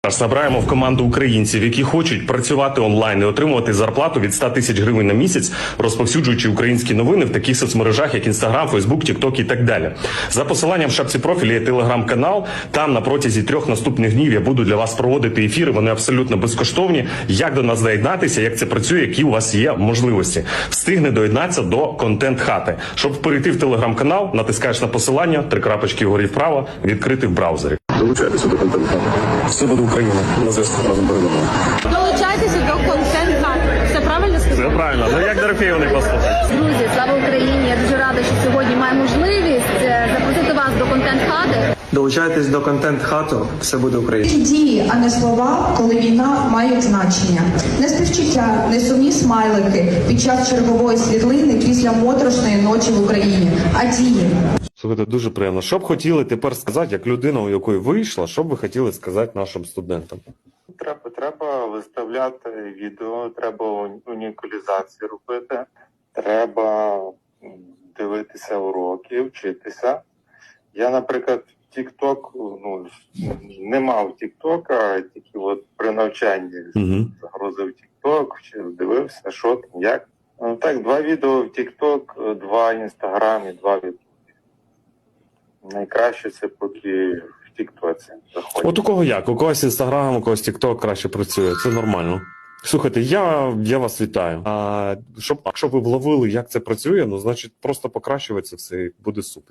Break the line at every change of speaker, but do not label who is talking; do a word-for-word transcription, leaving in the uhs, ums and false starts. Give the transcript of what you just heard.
Набираємо в команду українців, які хочуть працювати онлайн і отримувати зарплату від ста тисяч гривень на місяць, розповсюджуючи українські новини в таких соцмережах, як Інстаграм, Фейсбук, Тікток і так далі. За посиланням в шапці профілі є телеграм-канал. Там на протязі трьох наступних днів я буду для вас проводити ефіри. Вони абсолютно безкоштовні. Як до нас доєднатися, як це працює, які у вас є можливості. Встигне доєднатися до контент-хати. Щоб перейти в телеграм-канал, натискаєш на посилання, три крапочки вгорі вправо, відкрити в браузері.
Долучайтеся до контент-хати. Все буде Україна. На зв'язку разом передамо.
Долучайтеся до контент-хати. Все правильно сказав?
Все правильно. Ну як Дорофєєвої послухати?
Друзі, слава Україні! Я дуже рада, що сьогодні маю можливість запросити вас до контент-хати.
Долучайтесь до контент-хату, все буде Україна.
Дії, а не слова, коли війна мають значення. Не співчуття, не сумні смайлики під час чергової світлини після моторошної ночі в Україні, а дії.
Слухайте, дуже приємно. Що б хотіли тепер сказати, як людина, у якої вийшла, що б ви хотіли сказати нашим студентам?
Треба, треба виставляти відео, треба унікалізацію робити, треба дивитися уроки, вчитися. Я, наприклад, в TikTok, ну, не мав TikTok, тільки от при навчанні
Угу.
загрузив TikTok, дивився, що там, як. Ну, так, два відео в TikTok, два в Instagram і два в YouTube. Найкраще це поки в TikTok заходить.
От у кого як? У когось Інстаграм, у когось Тікток краще працює. Це нормально. Слухайте, я, я вас вітаю. А щоб, якщо ви вловили, як це працює, ну, значить, просто покращувати це все і буде супер.